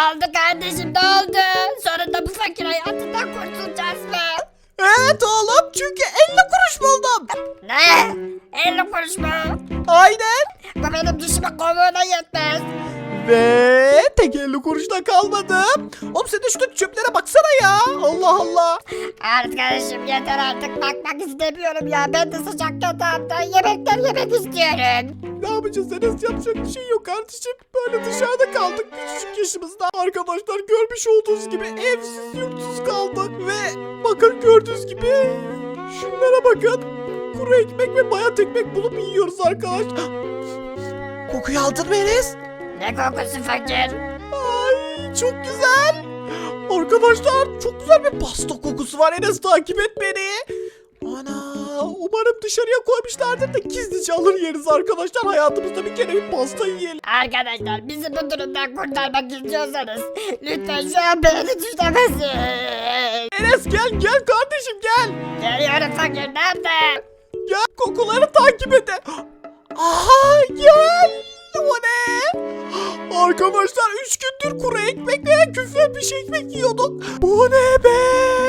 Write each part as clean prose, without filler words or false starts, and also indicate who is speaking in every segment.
Speaker 1: oldu kardeşim, ne oldu? Sonunda bu fakir hayatından kurtulacağız mı?
Speaker 2: Evet oğlum, çünkü 50 kuruş buldum.
Speaker 1: Ne? 50 kuruş mu?
Speaker 2: Aynen.
Speaker 1: Bu benim dişime kovuğuna yetmez.
Speaker 2: Ve tek 50 kuruşla kalmadım. Oğlum sen de şuradaki çöplere baksana ya. Allah Allah.
Speaker 1: Arkadaşım yeter artık, bakmak istemiyorum ya. Ben de sıcak yatağımda yemekler yemek istiyorum.
Speaker 2: Ne yapacağız Enes, yapacak bir şey yok kardeşim. Böyle dışarıda kaldık küçücük yaşımızda. Arkadaşlar görmüş olduğunuz gibi evsiz yurtsuz kaldık. Ve bakın gördüğünüz gibi şunlara bakın. Kuru ekmek ve bayat ekmek bulup yiyoruz arkadaşlar. Kokuyu aldın mı Enes?
Speaker 1: Ne kokusu fakir?
Speaker 2: Ay çok güzel. Arkadaşlar çok güzel bir pasta kokusu var. Enes takip et beni. Ana, umarım dışarıya koymuşlardır da gizlice alır yeriz arkadaşlar. Hayatımızda bir kere bir pasta yiyelim.
Speaker 1: Arkadaşlar bizi bu durumdan kurtarmak istiyorsanız lütfen şu an beğeni tuşuna basın.
Speaker 2: Enes gel kardeşim gel.
Speaker 1: Geliyorum fakir, nerede?
Speaker 2: Gel kokuları takip et. Aha gel. O ne? Arkadaşlar 3 gündür kuru ekmek veya küfle bir şey ekmek yiyorduk. Bu ne be?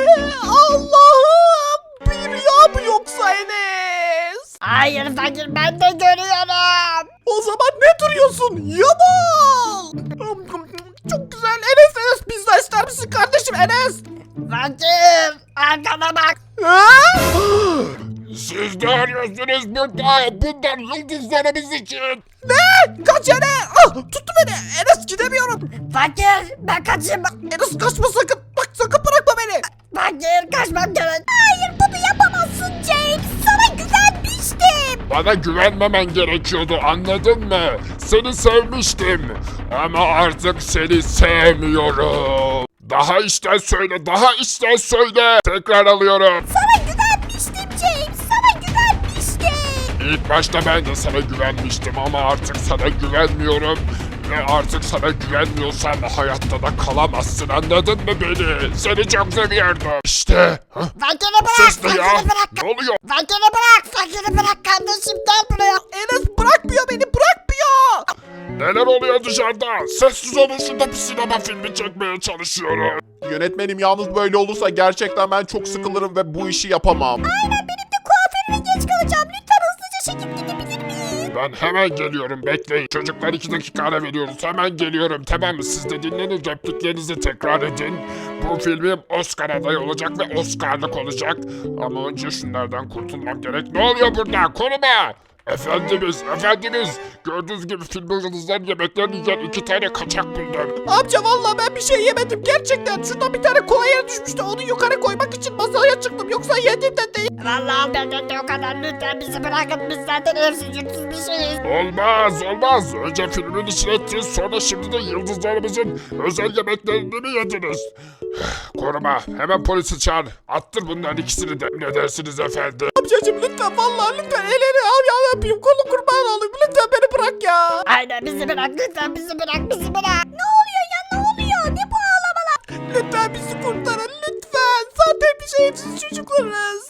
Speaker 2: Allah'ım. Bir rüya mı yoksa Enes?
Speaker 1: Hayır fakir, ben de görüyorum.
Speaker 2: O zaman ne duruyorsun? Yamal. Çok güzel. Enes pizza ister misin kardeşim Enes?
Speaker 1: Fakir, arkana bak.
Speaker 2: Ha?
Speaker 3: Siz ne arıyorsunuz burada? Bunlar yıldızlarımız için.
Speaker 2: Ne? Kaç Enes? Ah, tuttu beni. Enes gidemiyorum.
Speaker 1: Fakir, ben kaçayım.
Speaker 2: Enes kaçma sakın. Bak sakın bırakma beni.
Speaker 1: Fakir, kaçmam gerek. Hayır, bunu yapamazsın James. Sana güvenmiştim.
Speaker 3: Bana güvenmemen gerekiyordu, anladın mı? Seni sevmiştim. Ama artık seni sevmiyorum. Daha içten söyle, daha içten söyle. Tekrar alıyorum.
Speaker 1: Sana güvenmiştim James. Sana güvenmiştim.
Speaker 3: İlk başta ben de sana güvenmiştim ama artık sana güvenmiyorum. Ve artık sana güvenmiyorsan hayatta da kalamazsın, anladın mı beni? Seni çok seviyordum. İşte. Hah,
Speaker 1: Fakiri bırak,
Speaker 3: sus da ya.
Speaker 1: fakiri bırak.
Speaker 3: Ne oluyor?
Speaker 1: Fakiri bırak, fakiri bırak kardeşim, gel buraya.
Speaker 2: Enes bırakmıyor beni, bırakmıyor.
Speaker 3: Neler oluyor dışarıda? Sessiz olun, şurada bir sinema filmi çekmeye çalışıyorum.
Speaker 4: Yönetmenim yalnız böyle olursa gerçekten ben çok sıkılırım ve bu işi yapamam.
Speaker 1: Aynen, benim de kuaförüme geç kalacağım. Lütfen hızlıca çekip gidebilir miyiz?
Speaker 3: Ben hemen geliyorum, bekleyin. Çocuklar 2 dakika ara veriyoruz. Hemen geliyorum, tamam mı? Siz de dinlenin, repliklerinizi tekrar edin. Bu filmim Oscar adayı olacak ve Oscar'lık olacak. Ama önce şunlardan kurtulmam gerek. Ne oluyor burada? Koruma! Efendimiz. Gördüğünüz gibi film yıldızların yemeklerini yiyen 2 tane kaçak buldum.
Speaker 2: Amca vallahi ben bir şey yemedim gerçekten. Şuradan bir tane kola yere düşmüştü. Onu yukarı koymak için masaya çıktım. Yoksa yedim de değil.
Speaker 1: Vallahi benden de o kadar, lütfen bizi bırakın. Biz zaten evsiz yurtsuz bir şeyiz.
Speaker 3: Olmaz. Önce filmin içine ettiniz, sonra şimdi de yıldızlarımızın özel yemeklerini mi yediniz? Koruma, hemen polisi çağır. Attır bunların ikisini de. Ne dersiniz efendim?
Speaker 2: Amcacım lütfen vallahi lütfen elleri al ya yapayım. Kolu kurban olayım. Lütfen beni bırak ya.
Speaker 1: Aynen, bizi bırak, lütfen bizi bırak, bizi bırak. Ne oluyor ya, ne oluyor? Ne bu ağlamalar?
Speaker 2: Lütfen bizi kurtarın lütfen. Zaten biz evsiz çocuklarız.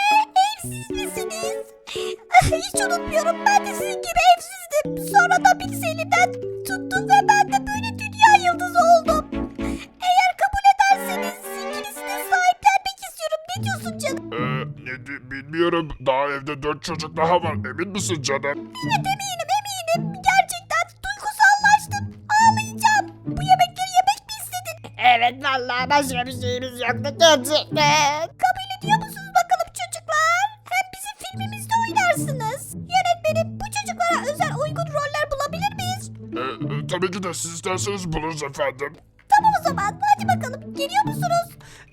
Speaker 1: Evsiz misiniz? Hiç unutmuyorum, ben de sizin gibi evsizdim. Sonra da birisi elimden tuttu ve ben de böyle dünya yıldızı oldum. Eğer kabul ederseniz ikinizine sahiplenmek istiyorum. Ne diyorsun canım?
Speaker 3: Bilmiyorum. Daha evde 4 çocuk daha var. Emin misin canım?
Speaker 1: Evet, eminim. Gerçekten duygusallaştım. Ağlayacağım. Bu yemekleri yemek mi istedin? Evet, vallahi başka bir şeyimiz yoktu gerçekten. Kabul ediyor musunuz bakalım çocuklar? Hem bizim filmimizde oynarsınız. Yönetmenim, bu çocuklara özel uygun roller bulabilir miyiz?
Speaker 3: Tabii ki de siz isterseniz buluruz efendim.
Speaker 1: Tamam o zaman. Hadi bakalım. Geliyor musunuz?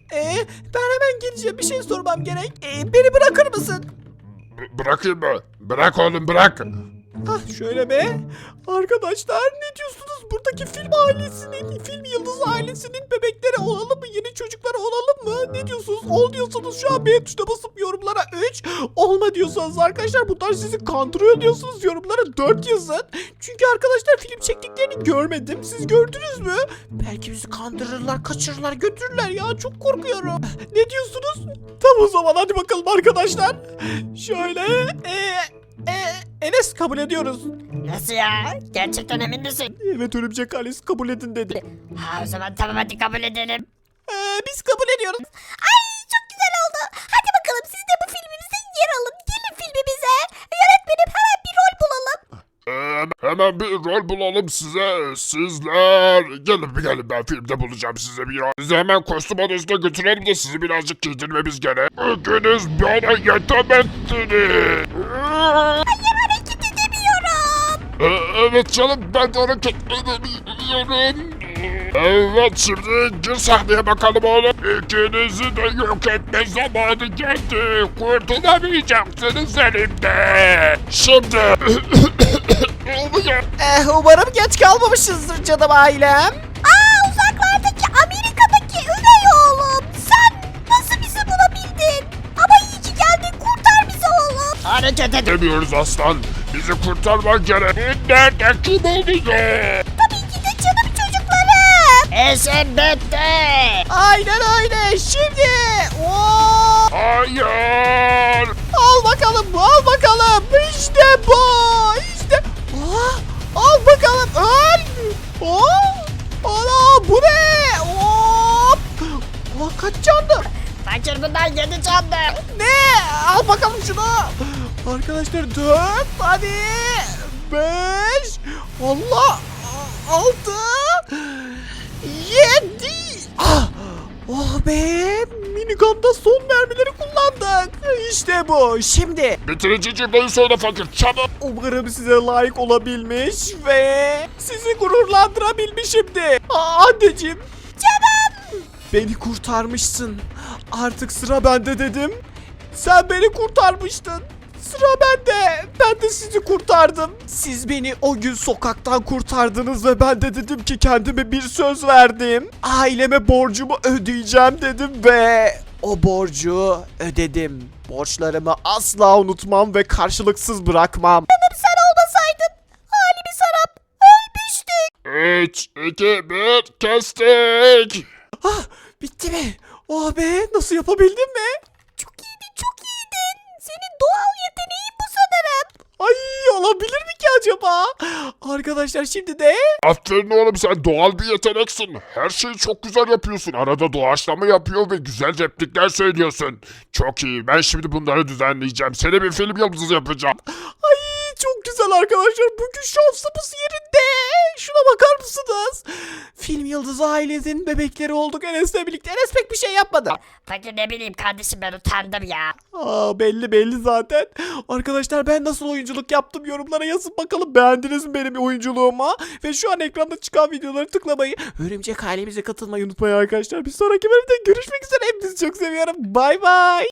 Speaker 2: Ben hemen geleceğim. Bir şey sormam gerek. Beni bırakır mısın?
Speaker 3: Bırakayım mı? Bırak oğlum, bırak.
Speaker 2: Şöyle be. Arkadaşlar ne diyorsunuz? Buradaki film ailesinin, film yıldız ailesinin bebekleri olalım mı? Yeni çocukları olalım mı? Ne diyorsunuz? Ol diyorsanız şu an beğen tuşuna basıp yorumlara 3. Olma diyorsanız arkadaşlar bunlar sizi kandırıyor diyorsunuz yorumlara 4 yazın. Çünkü arkadaşlar film çektiklerini görmedim. Siz gördünüz mü? Belki bizi kandırırlar, kaçırırlar, götürürler ya. Çok korkuyorum. Ne diyorsunuz? Tamam o zaman hadi bakalım arkadaşlar. Şöyle Enes kabul ediyoruz.
Speaker 1: Nasıl ya? Gerçekten emin misin?
Speaker 2: Evet örümcek ailesi kabul edin dedi.
Speaker 1: Ha, o zaman tamam, hadi kabul edelim.
Speaker 2: Biz kabul ediyoruz.
Speaker 1: Ay, çok güzel oldu. Hadi bakalım, siz de bu filmimizde yer alın. Gelin filmimize. Yönetmenim, hemen bir rol bulalım.
Speaker 3: Hemen bir rol bulalım size. Sizler gelin ben filmde bulacağım size bir rol. Sizi hemen kostüm odasına götürelim de sizi birazcık giydirmemiz gerek. Bugünüz bana yetemezsiniz.
Speaker 1: Hayır, hareket edemiyorum.
Speaker 3: Evet canım, ben de hareket edemiyorum. Evet, şimdi gir sahneye bakalım oğlum. İkinizi de yok etme zamanı geldi. Kurtulamayacaksınız elimde. Şimdi... Oluyor.
Speaker 2: Umarım geç kalmamışızdır canım ailem.
Speaker 1: Uzaklardaki Amerika'daki üvey oğlum. Sen nasıl bizi bulabildin? Ama iyi ki geldin, kurtar bizi oğlum. Hareket edin.
Speaker 3: Demiyoruz aslan. Bizi kurtarman gerek. Nerede kim oluyor?
Speaker 1: Tabii ki de canım çocuklarım. Eşim bitti.
Speaker 2: Aynen öyle. Şimdi. Oo!
Speaker 3: Hayır.
Speaker 2: Al bakalım. İşte bu. İşte. Al bakalım. Öl. Ana bu ne? Hop. Kaç canlı?
Speaker 1: Fakir bundan 7 canlı.
Speaker 2: Ne? Al bakalım şunu. Arkadaşlar 4. Hadi. 5. Allah. 6. 7. Oh be. Minigun'da son mermileri kullandık. İşte bu. Şimdi.
Speaker 3: Bitirici cümleyi söyle fakir, çabuk.
Speaker 2: Umarım size layık olabilmiş ve sizi gururlandırabilmişimdir. Anneciğim. Canım. Beni kurtarmışsın. Artık sıra bende dedim. Sen beni kurtarmıştın. Sıra bende. Ben de sizi kurtardım. Siz beni o gün sokaktan kurtardınız ve ben de dedim ki kendime bir söz verdim. Aileme borcumu ödeyeceğim dedim ve o borcu ödedim. Borçlarımı asla unutmam ve karşılıksız bırakmam.
Speaker 1: Sen olmasaydın halimiz harap. Ölmüştük.
Speaker 3: 3, 2, 1, kestik.
Speaker 2: Bitti mi? Oh be, nasıl yapabildim mi?
Speaker 1: Çok iyiydin, çok iyiydin. Senin doğal yeteneğin bu sanırım.
Speaker 2: Ay, olabilir mi ki acaba? Arkadaşlar şimdi de
Speaker 3: Aferin oğlum, sen doğal bir yeteneksin. Her şeyi çok güzel yapıyorsun. Arada doğaçlama yapıyor ve güzel replikler söylüyorsun. Çok iyi. Ben şimdi bunları düzenleyeceğim. Seni bir film yıldızı yapacağım.
Speaker 2: ay çok güzel arkadaşlar. Bugün şansımız yerinde. Şuna bakar mısınız? Film Yıldızı ailesinin bebekleri olduk Enes'le birlikte. Enes pek bir şey yapmadı.
Speaker 1: Fakir, ne bileyim kardeşim, ben utandım ya.
Speaker 2: Belli zaten. Arkadaşlar ben nasıl oyunculuk yaptım yorumlara yazın bakalım. Beğendiniz mi benim oyunculuğumu? Ve şu an ekranda çıkan videoları tıklamayı, Örümcek ailemize katılmayı unutmayın arkadaşlar. Bir sonraki bölümde görüşmek üzere. Hepinizi çok seviyorum. Bay bay.